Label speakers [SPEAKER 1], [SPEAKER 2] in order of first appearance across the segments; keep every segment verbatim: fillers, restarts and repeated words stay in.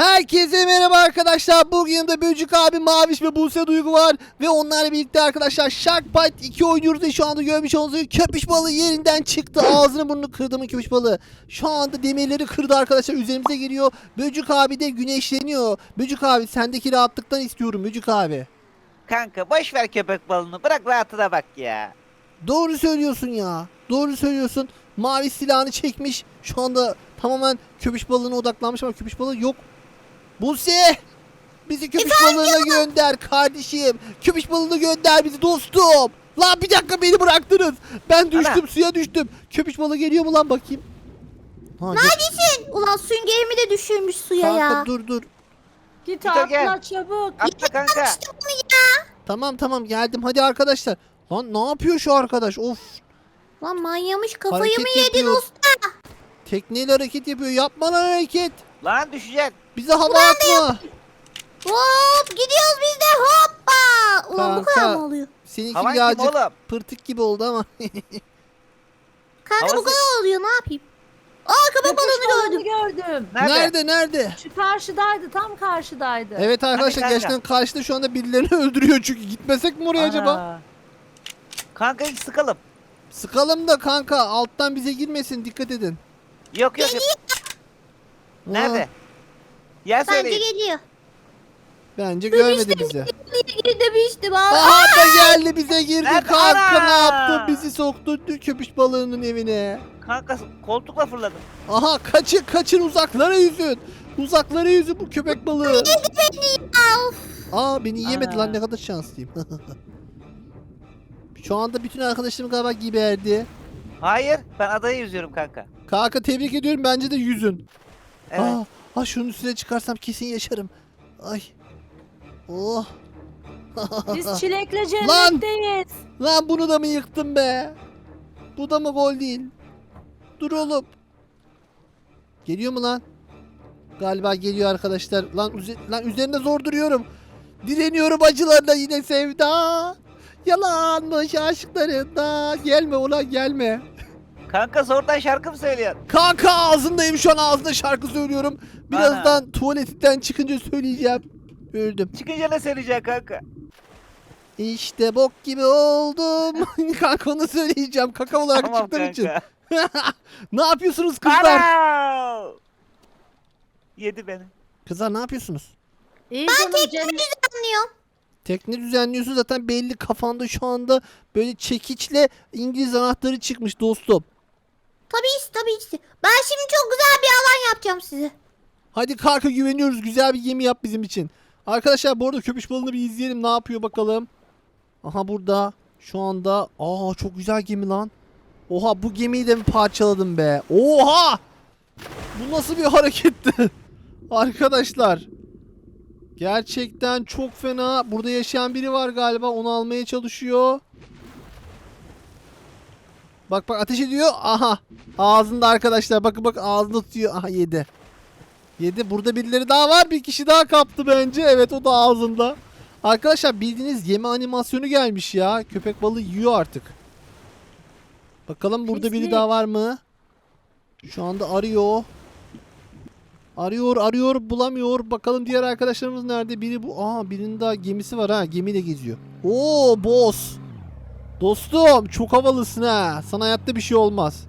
[SPEAKER 1] Herkese merhaba arkadaşlar. Bugün yanımda Böcük abi, Maviş ve Buse Duygu var. Ve onlarla birlikte arkadaşlar Shark Bite iki oynuyoruz ve şu anda görmüş olduğunuz gibi köpüş balığı yerinden çıktı. Ağzını burnunu kırdı mı köpüş balığı. Şu anda demirleri kırdı arkadaşlar, üzerimize geliyor. Böcük abi de güneşleniyor. Böcük abi, sendeki rahatlıktan istiyorum Böcük abi.
[SPEAKER 2] Kanka boş ver köpek balığını, bırak rahatına bak ya.
[SPEAKER 1] Doğru söylüyorsun ya. Doğru söylüyorsun. Mavi silahını çekmiş. Şu anda tamamen köpüş balığına odaklanmış ama köpüş balığı yok. Buse! Bizi köpüş balığına gönder kardeşim. Köpüş balığına gönder bizi dostum. Lan bir dakika, beni bıraktınız. Ben düştüm,
[SPEAKER 2] Ana.
[SPEAKER 1] suya düştüm. Köpüş balığı geliyor mu lan, bakayım. Ha, gel-
[SPEAKER 3] Neredesin? Ulan süngerimi de düşürmüş suya
[SPEAKER 1] Kanka
[SPEAKER 3] ya.
[SPEAKER 1] dur dur.
[SPEAKER 4] Git
[SPEAKER 2] Git o gel.
[SPEAKER 4] atla çabuk.
[SPEAKER 2] Atla kanka.
[SPEAKER 3] İşte bunu ya.
[SPEAKER 1] Tamam tamam geldim, hadi arkadaşlar. Lan ne yapıyor şu arkadaş? Of.
[SPEAKER 3] Lan manyamış, kafayı
[SPEAKER 1] Hareket
[SPEAKER 3] mı yedin
[SPEAKER 1] yapıyor.
[SPEAKER 3] usta?
[SPEAKER 1] Tekneyle hareket yapıyor. Yapma lan hareket.
[SPEAKER 2] Lan düşeceksin.
[SPEAKER 1] Bize hava atma.
[SPEAKER 3] Hop gidiyoruz biz de hoppa. Ulan bu kadar
[SPEAKER 1] Kanka.
[SPEAKER 3] mı oluyor?
[SPEAKER 1] Seninki
[SPEAKER 2] Havan kim
[SPEAKER 1] birazcık
[SPEAKER 2] oğlum?
[SPEAKER 1] pırtık gibi oldu ama.
[SPEAKER 3] Kanka bu
[SPEAKER 2] Havası-
[SPEAKER 3] kadar oluyor, ne yapayım? Aa köpek balığını gördüm.
[SPEAKER 4] gördüm.
[SPEAKER 2] Nerede?
[SPEAKER 1] Nerede nerede?
[SPEAKER 4] Şu karşıdaydı, tam karşıdaydı.
[SPEAKER 1] Evet arkadaşlar,
[SPEAKER 2] kanka?
[SPEAKER 1] gerçekten karşıda şu anda birilerini öldürüyor çünkü. Gitmesek mi oraya acaba?
[SPEAKER 2] Ana. Kanka ilk sıkalım.
[SPEAKER 1] Sıkalım da kanka, alttan bize girmesin, dikkat edin.
[SPEAKER 2] Yok yok yok. Nerede? Yer
[SPEAKER 3] Bence
[SPEAKER 2] söyleyin.
[SPEAKER 3] geliyor.
[SPEAKER 1] Bence görmedi bizi.
[SPEAKER 3] Geri demiştim abi.
[SPEAKER 1] Aha da geldi, bize girdi
[SPEAKER 2] Nerede?
[SPEAKER 1] kanka, ne
[SPEAKER 2] Ana!
[SPEAKER 1] yaptı? Bizi soktu köpüş balığının evine.
[SPEAKER 2] Kanka koltukla fırladım.
[SPEAKER 1] Aha kaçın kaçın, uzaklara yüzün. Uzaklara yüzün bu köpek balığı.
[SPEAKER 3] Of.
[SPEAKER 1] Aa beni yemedi
[SPEAKER 2] Ana.
[SPEAKER 1] lan, ne kadar şanslıyım. Şu anda bütün arkadaşlarım galiba geberdi.
[SPEAKER 2] Hayır, ben adaya yüzüyorum kanka.
[SPEAKER 1] Kanka tebrik ediyorum, bence de yüzün.
[SPEAKER 2] Evet.
[SPEAKER 1] Aa, aa şunun üstüne çıkarsam kesin yaşarım. Ay. Oh.
[SPEAKER 4] Biz çilekle
[SPEAKER 1] Lan!
[SPEAKER 4] cennetteyiz.
[SPEAKER 1] Lan bunu da mı yıktın be? Bu da mı gol değil? Dur oğlum. Geliyor mu lan? Galiba geliyor arkadaşlar. Lan, üze- lan üzerinde zor duruyorum. Direniyorum acılarla yine sevda. Yalanmış aşklarında. Gelme ulan gelme.
[SPEAKER 2] Kanka zordan şarkı mı söylüyorsun?
[SPEAKER 1] Kanka ağzındayım şu an, ağzında şarkı söylüyorum. Birazdan tuvaletten çıkınca söyleyeceğim. Öldüm.
[SPEAKER 2] Çıkınca ne söyleyeceksin kanka?
[SPEAKER 1] İşte bok gibi oldum. Kanka onu söyleyeceğim. Kaka olarak
[SPEAKER 2] Tamam
[SPEAKER 1] çıktığım için.
[SPEAKER 2] kanka.
[SPEAKER 1] Ne yapıyorsunuz kızlar?
[SPEAKER 2] Ana! Yedi beni.
[SPEAKER 1] Kızlar ne yapıyorsunuz?
[SPEAKER 4] İyi canım cennet.
[SPEAKER 3] Anlıyorum.
[SPEAKER 1] Tekne düzenliyorsun zaten, belli kafanda şu anda böyle çekiçle İngiliz anahtarı çıkmış dostum.
[SPEAKER 3] Tabii tabii ki. Ben şimdi çok güzel bir alan yapacağım size.
[SPEAKER 1] Hadi kanka, güveniyoruz, güzel bir gemi yap bizim için. Arkadaşlar bu arada köpüş balığını bir izleyelim, ne yapıyor bakalım. Aha burada şu anda. Aa çok güzel gemi lan. Oha, bu gemiyi de mi parçaladım be? Oha! Bu nasıl bir hareketti? Arkadaşlar. Gerçekten çok fena. Burada yaşayan biri var galiba, onu almaya çalışıyor. Bak bak, ateş ediyor. Aha. Ağzında arkadaşlar. Bakın bak, ağzında tutuyor. Aha yedi. Yedi. Burada birileri daha var. Bir kişi daha kaptı bence. Evet, o da ağzında. Arkadaşlar bildiğiniz yeme animasyonu gelmiş ya. Köpek balığı yiyor artık. Bakalım burada biri
[SPEAKER 4] Pislik.
[SPEAKER 1] daha var mı? Şu anda arıyor. Arıyor arıyor bulamıyor. Bakalım diğer arkadaşlarımız nerede? Biri bu. Aa, birinin daha gemisi var ha. Gemiyle geziyor. Oo boss. Dostum çok havalısın ha. Sana hayatta bir şey olmaz.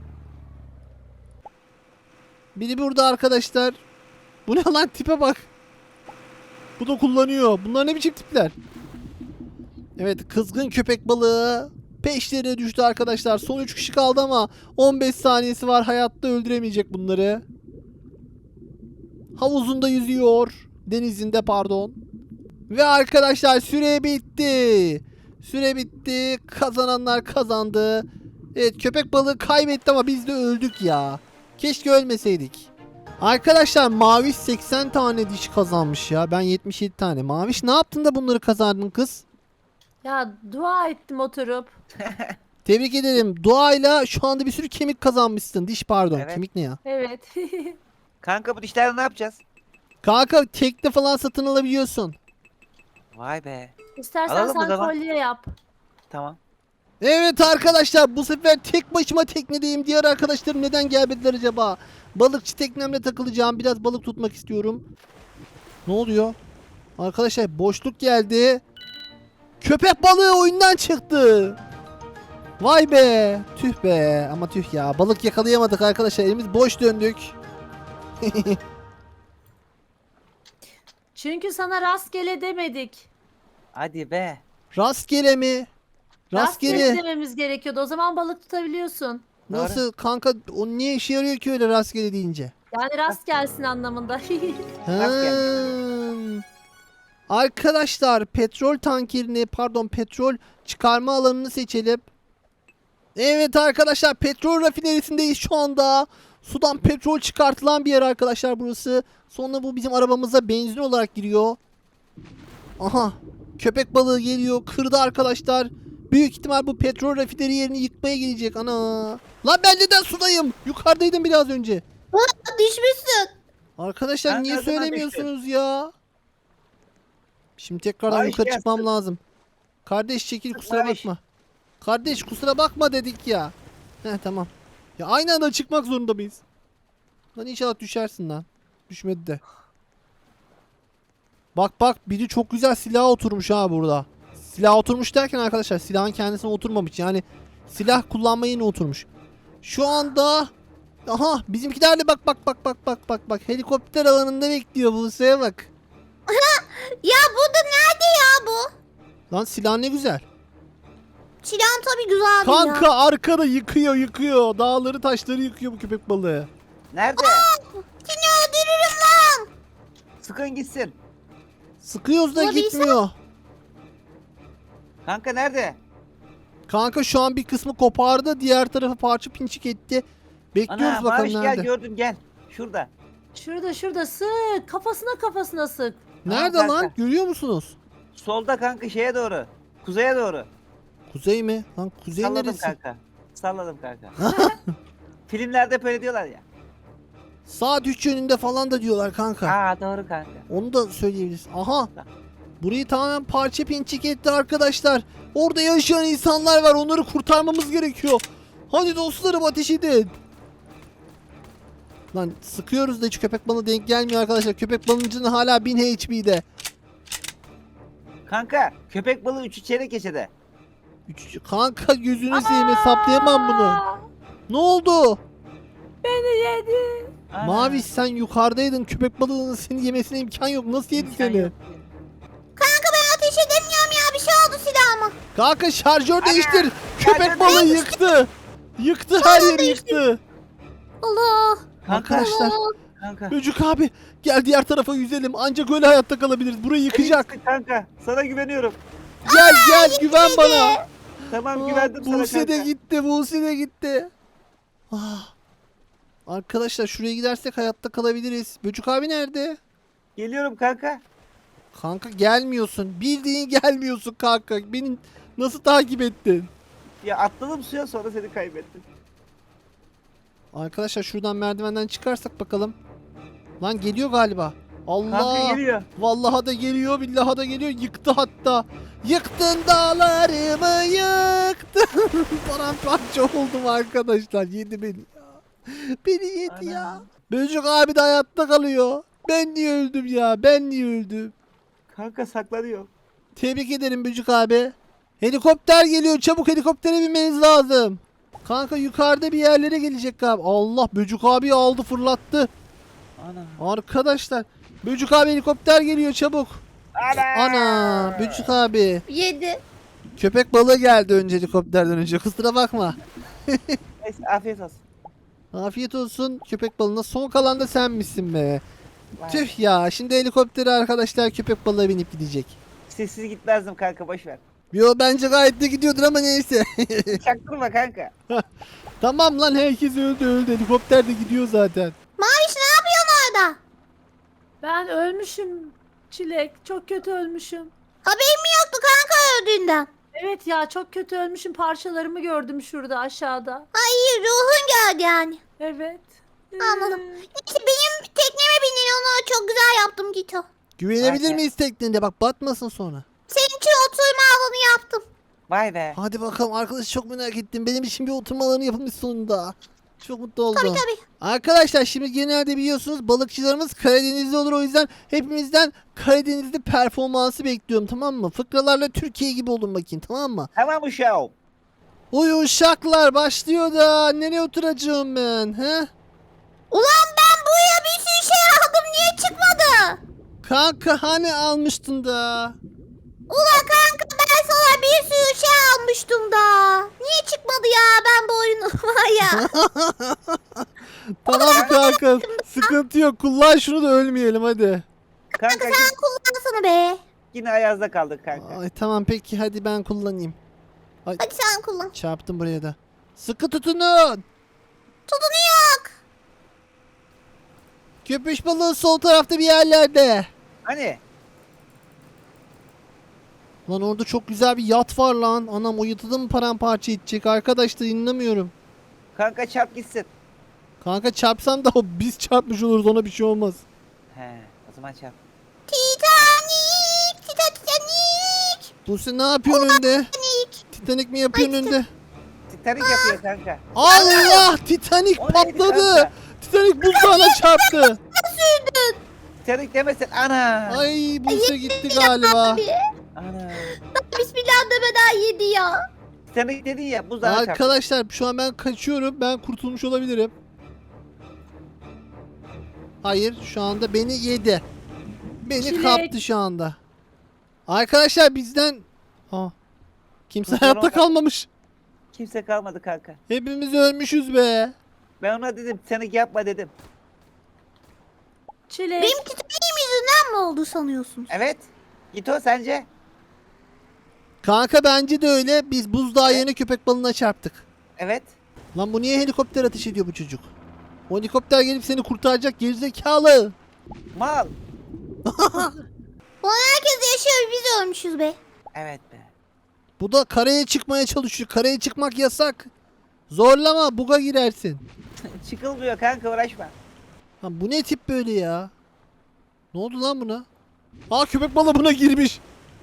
[SPEAKER 1] Biri burada arkadaşlar. Bu ne lan, tipe bak. Bu da kullanıyor. Bunlar ne biçim tipler? Evet, kızgın köpek balığı peşlerine düştü arkadaşlar. Son üç kişi kaldı ama on beş saniyesi var. Hayatta öldüremeyecek bunları. Havuzunda yüzüyor. Denizinde pardon. Ve arkadaşlar süre bitti. Süre bitti. Kazananlar kazandı. Evet, köpek balığı kaybetti ama biz de öldük ya. Keşke ölmeseydik. Arkadaşlar Maviş seksen tane diş kazanmış ya. Ben yetmiş yedi tane. Maviş ne yaptın da bunları kazandın kız?
[SPEAKER 4] Ya dua ettim oturup.
[SPEAKER 1] Tebrik ederim. Duayla şu anda bir sürü kemik kazanmışsın. Diş pardon.
[SPEAKER 2] Evet.
[SPEAKER 1] Kemik ne ya?
[SPEAKER 4] Evet.
[SPEAKER 2] Kanka bu dişlerle ne yapacağız?
[SPEAKER 1] Kanka tekne falan satın alabiliyorsun.
[SPEAKER 2] Vay be.
[SPEAKER 4] İstersen
[SPEAKER 2] Alalım o
[SPEAKER 4] sen
[SPEAKER 2] zaman.
[SPEAKER 4] kolye yap.
[SPEAKER 2] Tamam.
[SPEAKER 1] Evet arkadaşlar, bu sefer tek başıma teknedeyim. Diğer arkadaşlarım neden gelmediler acaba? Balıkçı teknemle takılacağım. Biraz balık tutmak istiyorum. Ne oluyor? Arkadaşlar boşluk geldi. Köpek balığı oyundan çıktı. Vay be. Tüh be. Ama tüh ya. Balık yakalayamadık arkadaşlar. Elimiz boş döndük.
[SPEAKER 4] Çünkü sana rastgele demedik.
[SPEAKER 2] Hadi be.
[SPEAKER 1] Rastgele mi?
[SPEAKER 4] Rastgele
[SPEAKER 1] Rastgele.
[SPEAKER 4] dememiz gerekiyordu. O zaman balık tutabiliyorsun.
[SPEAKER 1] Nasıl kanka? O niye işe yarıyor ki öyle rastgele deyince?
[SPEAKER 4] Yani rast gelsin anlamında.
[SPEAKER 1] Hmm. Arkadaşlar petrol tankerini pardon petrol çıkarma alanını seçelim. Evet arkadaşlar petrol rafinerisindeyiz şu anda. Sudan petrol çıkartılan bir yer arkadaşlar burası. Sonra bu bizim arabamıza benzin olarak giriyor. Aha köpek balığı geliyor kırdı arkadaşlar. Büyük ihtimal bu petrol rafineri yerini yıkmaya gelecek ana. Lan ben neden sudayım? Yukarıdaydım biraz önce.
[SPEAKER 3] Düşmüşsün.
[SPEAKER 1] Arkadaşlar
[SPEAKER 2] Ben
[SPEAKER 1] niye
[SPEAKER 2] ne zaman
[SPEAKER 1] söylemiyorsunuz ya? Şimdi tekrardan
[SPEAKER 2] Ay,
[SPEAKER 1] yukarı
[SPEAKER 2] gelsin.
[SPEAKER 1] çıkmam lazım. Kardeş çekil kusura
[SPEAKER 2] Barış.
[SPEAKER 1] bakma. Kardeş kusura bakma dedik ya. Heh tamam. Ya aynı anda çıkmak zorunda mıyız? Lan inşallah düşersin lan. Düşmedi de. Bak bak biri çok güzel silaha oturmuş ha burada. Silah oturmuş derken arkadaşlar silahın kendisine oturmamış. Yani silah kullanma yerine oturmuş. Şu anda aha bizimkiler de bak bak bak bak bak bak bak helikopter alanında bekliyor Buse'ye bak.
[SPEAKER 3] Ya burada nerede ya bu?
[SPEAKER 1] Lan silah ne güzel.
[SPEAKER 3] Silahın tabii güzel bir ya.
[SPEAKER 1] Kanka arkada yıkıyor yıkıyor. Dağları taşları yıkıyor bu köpek balığı.
[SPEAKER 2] Nerede?
[SPEAKER 3] Seni öldürürüm lan.
[SPEAKER 2] Sıkın gitsin.
[SPEAKER 1] Sıkıyoruz da
[SPEAKER 3] Ulan bir
[SPEAKER 1] gitmiyor.
[SPEAKER 2] Kanka nerede?
[SPEAKER 1] Kanka şu an bir kısmı kopardı. Diğer tarafı parça pinçik etti. Bekliyoruz
[SPEAKER 2] Ana
[SPEAKER 1] bakalım
[SPEAKER 2] Barış
[SPEAKER 1] nerede.
[SPEAKER 2] gel gördüm gel. Şurada.
[SPEAKER 4] Şurada şurada sık. Kafasına kafasına sık.
[SPEAKER 1] Nerede
[SPEAKER 2] Aa,
[SPEAKER 1] lan?
[SPEAKER 2] kanka.
[SPEAKER 1] Görüyor musunuz?
[SPEAKER 2] Solda kanka şeye doğru. Kuzeye doğru.
[SPEAKER 1] Kuzey mi? Lan kuzey
[SPEAKER 2] Salladım
[SPEAKER 1] neresi?
[SPEAKER 2] kanka. Salladım kanka. Filmlerde hep öyle diyorlar ya.
[SPEAKER 1] Saat üç yönünde falan da diyorlar kanka.
[SPEAKER 2] Aa doğru kanka.
[SPEAKER 1] Onu da söyleyebiliriz. Aha. Burayı tamamen parça pinçik etti arkadaşlar. Orada yaşayan insanlar var. Onları kurtarmamız gerekiyor. Hadi dostlarım ateş edin. Lan sıkıyoruz da hiç köpek balığı denk gelmiyor arkadaşlar. Köpek balığının hala bin H P'de.
[SPEAKER 2] Kanka köpek balığı üçü çeyrek geçede.
[SPEAKER 1] Üç, kanka gözünü seveyim hesaplayamam bunu.
[SPEAKER 4] Aa,
[SPEAKER 1] Ne oldu?
[SPEAKER 4] beni yedi.
[SPEAKER 2] Ana,
[SPEAKER 1] Mavi sen yukarıdaydın. Köpek balığının seni yemesine imkan yok. Nasıl yedi
[SPEAKER 2] imkan
[SPEAKER 1] seni?
[SPEAKER 2] yok.
[SPEAKER 3] Kanka ben ateş edemiyorum ya. Bir şey oldu silahıma.
[SPEAKER 1] Kanka şarjör değiştir. Köpek
[SPEAKER 2] şarjör
[SPEAKER 1] balığı
[SPEAKER 2] değiştir.
[SPEAKER 1] yıktı. Yıktı her yeri yıktı.
[SPEAKER 3] Allah.
[SPEAKER 2] Kanka.
[SPEAKER 1] Arkadaşlar.
[SPEAKER 3] Allah.
[SPEAKER 2] Kanka.
[SPEAKER 1] Böcük abi gel diğer tarafa yüzelim. Ancak öyle hayatta kalabiliriz. Burayı yıkacak.
[SPEAKER 2] Kanka sana güveniyorum.
[SPEAKER 1] Gel gel güven bana.
[SPEAKER 2] Tamam
[SPEAKER 1] Aa,
[SPEAKER 2] güvendim sana
[SPEAKER 1] Buse de
[SPEAKER 2] kanka.
[SPEAKER 1] gitti. Buse de gitti. Ah. Arkadaşlar şuraya gidersek hayatta kalabiliriz. Böcük abi nerede?
[SPEAKER 2] Geliyorum kanka.
[SPEAKER 1] Kanka gelmiyorsun. Bildiğin gelmiyorsun kanka. Beni nasıl takip ettin?
[SPEAKER 2] Ya atladım suya sonra seni kaybettim.
[SPEAKER 1] Arkadaşlar şuradan merdivenden çıkarsak bakalım. Lan geliyor galiba. Allah.
[SPEAKER 2] Kanka geliyor.
[SPEAKER 1] Vallahi da geliyor, billahi da geliyor. Yıktı hatta. Yıktın dağlarımı yıktın. Paramparça oldum arkadaşlar. Yedi beni ya. Beni yedi
[SPEAKER 2] Ana.
[SPEAKER 1] ya. Böcük abi de hayatta kalıyor. Ben niye öldüm ya? Ben niye öldüm?
[SPEAKER 2] Kanka saklanıyor.
[SPEAKER 1] Tebrik ederim Böcük abi. Helikopter geliyor. Çabuk helikoptere binmeniz lazım. Kanka yukarıda bir yerlere gelecek galiba. Allah Böcük abi aldı fırlattı.
[SPEAKER 2] Ana.
[SPEAKER 1] Arkadaşlar Böcük abi helikopter geliyor çabuk.
[SPEAKER 2] Ana.
[SPEAKER 1] Ana Böcük abi.
[SPEAKER 3] Yedi.
[SPEAKER 1] Köpek balığı geldi önce helikopterden önce. Kusura bakma.
[SPEAKER 2] Neyse afiyet olsun.
[SPEAKER 1] Afiyet olsun köpek balığına. Son kalan da sen misin be?
[SPEAKER 2] Vay.
[SPEAKER 1] Tüh ya. Şimdi helikoptere arkadaşlar köpek balığı binip gidecek.
[SPEAKER 2] Sessiz gitmezdim kanka boş ver.
[SPEAKER 1] Yo bence gayet de gidiyordur ama neyse.
[SPEAKER 2] Çaktırma kanka.
[SPEAKER 1] Tamam lan herkes öldü öldü. Helikopter de gidiyor zaten.
[SPEAKER 3] Maviş ne yapıyorsun orada?
[SPEAKER 4] Ben ölmüşüm Çilek. Çok kötü ölmüşüm.
[SPEAKER 3] Haberim mi yoktu kanka öldüğünden?
[SPEAKER 4] Evet ya çok kötü ölmüşüm. Parçalarımı gördüm şurada aşağıda.
[SPEAKER 3] Ay ruhun geldi yani.
[SPEAKER 4] Evet.
[SPEAKER 3] Anladım.
[SPEAKER 4] Ee,
[SPEAKER 3] İşte benim tekneme bindin onu çok güzel yaptım Gito.
[SPEAKER 1] Güvenebilir
[SPEAKER 2] Aynen.
[SPEAKER 1] miyiz tekniğinde? Bak batmasın sonra.
[SPEAKER 3] Senin için oturma alanı yaptım.
[SPEAKER 2] Vay be.
[SPEAKER 1] Hadi bakalım arkadaş çok merak ettim. Benim için bir oturma alanı yapılmış sonunda. Çok mutlu oldum.
[SPEAKER 3] Tabii tabii.
[SPEAKER 1] Arkadaşlar şimdi genelde biliyorsunuz balıkçılarımız Karadenizli olur. O yüzden hepimizden Karadenizli performansı bekliyorum, tamam mı? Fıkralarla Türkiye gibi olun bakayım, tamam mı?
[SPEAKER 2] Tamam uşağım.
[SPEAKER 1] Uy uşaklar başlıyor da nereye oturacağım ben? He?
[SPEAKER 3] Ulan ben buraya bir sürü şey aldım. Niye çıkmadı?
[SPEAKER 1] Kanka hani almıştın da?
[SPEAKER 3] Ulan kanka ben sana bir sürü şey almıştım da. Niye çıkmadı ya ben bu oyunu var ya.
[SPEAKER 1] Tamam kanka, sıkıntı yok. Kullan şunu da ölmeyelim hadi.
[SPEAKER 2] Kanka
[SPEAKER 3] Sen kullansana be.
[SPEAKER 2] yine ayazda kaldık kanka.
[SPEAKER 1] Ay tamam peki, hadi ben kullanayım. Ay,
[SPEAKER 3] Hadi sen kullan.
[SPEAKER 1] çarptım buraya da. Sıkı tutunun.
[SPEAKER 3] Tutunuyor.
[SPEAKER 1] Köpüş balığı sol tarafta bir yerlerde.
[SPEAKER 2] Hani?
[SPEAKER 1] Lan orada çok güzel bir yat var lan. Anam, o yatı da mı paramparça edecek? Arkadaşlar inanamıyorum.
[SPEAKER 2] Kanka çarp gitsin.
[SPEAKER 1] Kanka çarpsam da o biz çarpmış oluruz, ona bir şey olmaz.
[SPEAKER 2] He, o zaman çarp.
[SPEAKER 3] Titanic. Tita Titanic.
[SPEAKER 1] Buse ne yapıyorsun önde?
[SPEAKER 3] Titanic.
[SPEAKER 1] Titanik mi yapıyorsun
[SPEAKER 3] Ay,
[SPEAKER 1] önde?
[SPEAKER 2] Titanik yapıyor kanka.
[SPEAKER 1] Allah! Titanik
[SPEAKER 2] O neydi
[SPEAKER 1] patladı.
[SPEAKER 2] kanka?
[SPEAKER 1] Titanik buzdağına çarptı.
[SPEAKER 2] Titanik demesin ana.
[SPEAKER 1] Ay Buse gitti galiba.
[SPEAKER 3] Abi.
[SPEAKER 2] Ana.
[SPEAKER 3] Bismillah demeden yedi ya.
[SPEAKER 2] Titanik dedin ya buzdağına çarp.
[SPEAKER 1] Arkadaşlar şu an ben kaçıyorum. Ben kurtulmuş olabilirim. Hayır, şu anda beni yedi. Beni
[SPEAKER 4] Çilek.
[SPEAKER 1] kaptı şu anda. Arkadaşlar bizden... Aa, kimse
[SPEAKER 2] Kurtulan
[SPEAKER 1] hayatta
[SPEAKER 2] olmadı.
[SPEAKER 1] kalmamış.
[SPEAKER 2] Kimse kalmadı kanka.
[SPEAKER 1] Hepimiz ölmüşüz be.
[SPEAKER 2] Ben ona dedim Titanik yapma dedim.
[SPEAKER 4] Çilek.
[SPEAKER 3] Benim Titanic'im yüzünden mi oldu sanıyorsunuz?
[SPEAKER 2] Evet. Git o sence?
[SPEAKER 1] Kanka bence de öyle. Biz buzdağı yerine köpek balığına çarptık.
[SPEAKER 2] Evet.
[SPEAKER 1] Lan bu niye helikopter ateş ediyor bu çocuk? O helikopter gelip seni kurtaracak gerizekalı.
[SPEAKER 2] Mal.
[SPEAKER 3] Ulan herkes yaşıyor biz ölmüşüz be.
[SPEAKER 2] Evet be.
[SPEAKER 1] Bu da karaya çıkmaya çalışıyor. Karaya çıkmak yasak. Zorlama, buga girersin.
[SPEAKER 2] Çıkılmıyor kanka uğraşma.
[SPEAKER 1] Lan bu ne tip böyle ya? Ne oldu lan buna? Aa, köpek balığı buna girmiş.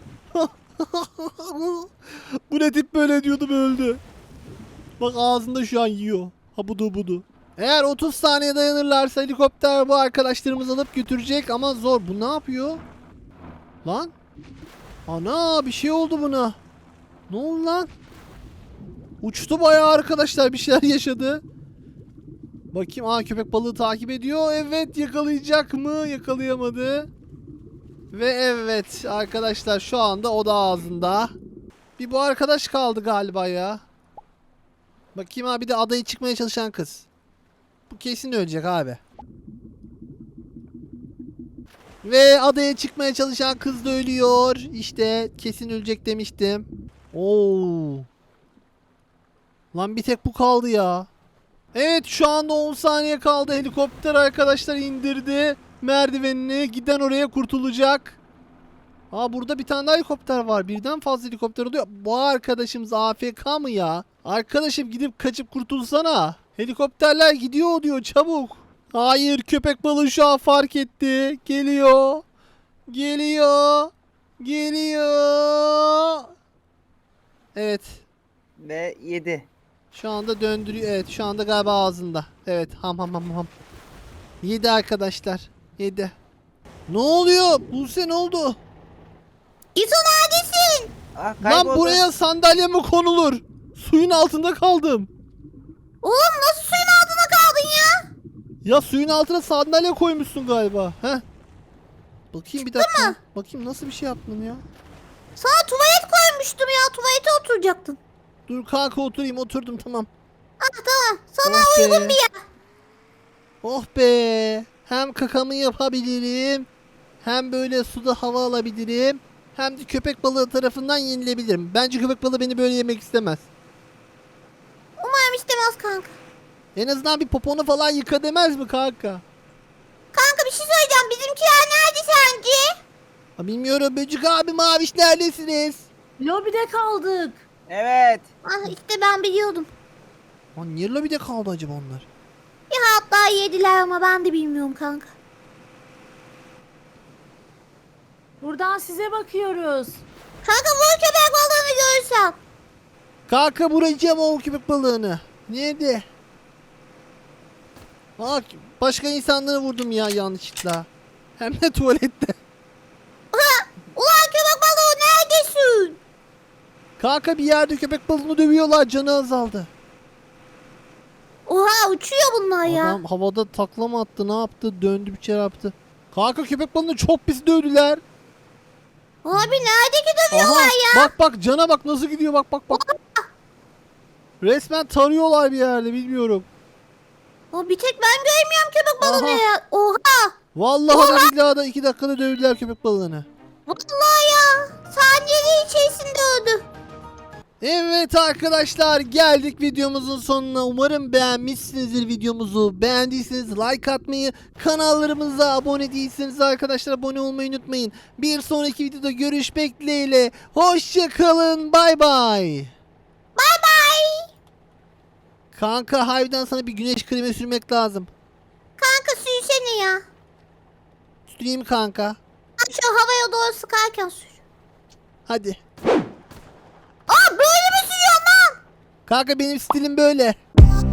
[SPEAKER 1] Bu ne tip böyle diyordum, öldü. Bak ağzında şu an yiyor. Ha budu budu. Eğer otuz saniye dayanırlarsa helikopter bu arkadaşlarımızı alıp götürecek ama zor. Bu ne yapıyor? Lan? Ana, bir şey oldu buna. Ne oldu lan? Uçtu bayağı arkadaşlar, bir şeyler yaşadı. Bakayım, aa köpek balığı takip ediyor. Evet, yakalayacak mı? Yakalayamadı. Ve evet arkadaşlar, şu anda o da ağzında. Bir bu arkadaş kaldı galiba ya. Bakayım abi, de adaya çıkmaya çalışan kız. Bu kesin ölecek abi. Ve adaya çıkmaya çalışan kız da ölüyor. İşte kesin ölecek demiştim. Oo. Lan bir tek bu kaldı ya. Evet, şu anda on saniye kaldı. Helikopter arkadaşlar indirdi merdivenini. Giden oraya kurtulacak. Aa, burada bir tane daha helikopter var. Birden fazla helikopter oluyor. Bu arkadaşımız A F K mı ya? Arkadaşım gidip kaçıp kurtulsana. Helikopterler gidiyor diyor, çabuk. Hayır, köpek balığı şu an fark etti. Geliyor. Geliyor. Geliyor. Evet.
[SPEAKER 2] Ve yedi.
[SPEAKER 1] Şu anda döndürüyor. Evet, şu anda galiba ağzında. Evet, ham ham ham ham. Yedi arkadaşlar. Yedi. Ne oluyor? Buse ne oldu?
[SPEAKER 3] İso neredesin?
[SPEAKER 2] Ah,
[SPEAKER 1] Lan
[SPEAKER 2] kayboldu.
[SPEAKER 1] buraya sandalye mi konulur? Suyun altında kaldım.
[SPEAKER 3] Oğlum nasıl suyun altında kaldın ya?
[SPEAKER 1] Ya suyun altına sandalye koymuşsun galiba. Heh. Bakayım bir dakika. Bakayım nasıl bir şey yaptın ya.
[SPEAKER 3] Sana tuvalet koymuştum ya. Tuvalete oturacaktın.
[SPEAKER 1] Dur kanka, oturayım. Oturdum, tamam.
[SPEAKER 3] Ah tamam. Sana
[SPEAKER 1] Oh be.
[SPEAKER 3] uygun bir yer.
[SPEAKER 1] Oh be. Hem kakamı yapabilirim. Hem böyle suda hava alabilirim. Hem de köpek balığı tarafından yenilebilirim. Bence köpek balığı beni böyle yemek istemez.
[SPEAKER 3] Umarım istemez kanka.
[SPEAKER 1] En azından bir poponu falan yıka demez mi kanka?
[SPEAKER 3] Kanka bir şey söyleyeceğim. Bizimkiler nerede sence?
[SPEAKER 1] Ha, bilmiyorum Böcük abi, Maviş neredesiniz?
[SPEAKER 4] Lobide kaldık.
[SPEAKER 2] Evet.
[SPEAKER 3] Ah işte ben biliyordum.
[SPEAKER 1] Lan niye lobide kaldı acaba onlar?
[SPEAKER 3] Ya hatta yediler ama ben de bilmiyorum kanka.
[SPEAKER 4] Buradan size bakıyoruz.
[SPEAKER 3] Kanka bu köpek balığını görürsem.
[SPEAKER 1] Kanka vuracağım o köpek balığını. Nerede? Aa, başka insanları vurdum ya yanlışlıkla. Hem de tuvalette.
[SPEAKER 3] Ulan köpek balığı neredesin?
[SPEAKER 1] Kanka bir yerde köpek balığını dövüyorlar, canı azaldı.
[SPEAKER 3] Oha uçuyor bunlar ya.
[SPEAKER 1] Adam havada takla mı attı, ne yaptı, döndü bir şey yaptı. Kanka köpek balığını çok pis dövdüler.
[SPEAKER 3] Abi neredeki dövüyorlar
[SPEAKER 1] Aha,
[SPEAKER 3] ya?
[SPEAKER 1] bak bak cana bak nasıl gidiyor, bak bak bak. Resmen tarıyorlar bir yerde, bilmiyorum.
[SPEAKER 3] Aa, bir tek ben göremiyorum köpek balığını
[SPEAKER 1] Aha.
[SPEAKER 3] ya. Oha.
[SPEAKER 1] Vallahi da billahi da iki dakikada dövdüler köpek balığını.
[SPEAKER 3] Vallahi ya. Saniyeler içerisinde öldü.
[SPEAKER 1] Evet arkadaşlar, geldik videomuzun sonuna. Umarım beğenmişsinizdir videomuzu. Beğendiyseniz like atmayı, kanallarımıza abone değilseniz arkadaşlar abone olmayı unutmayın. Bir sonraki videoda görüşmek dileğiyle. Hoşça kalın. Bay bay.
[SPEAKER 3] Bay bay.
[SPEAKER 1] Kanka harbiden sana bir güneş kremi sürmek lazım.
[SPEAKER 3] Kanka sürsene ya.
[SPEAKER 1] Süreyim kanka.
[SPEAKER 3] Ha, şu havaya doğru sıkarken sür.
[SPEAKER 1] Hadi.
[SPEAKER 3] Aa böyle mi sürüyorsun lan?
[SPEAKER 1] Kanka benim stilim böyle.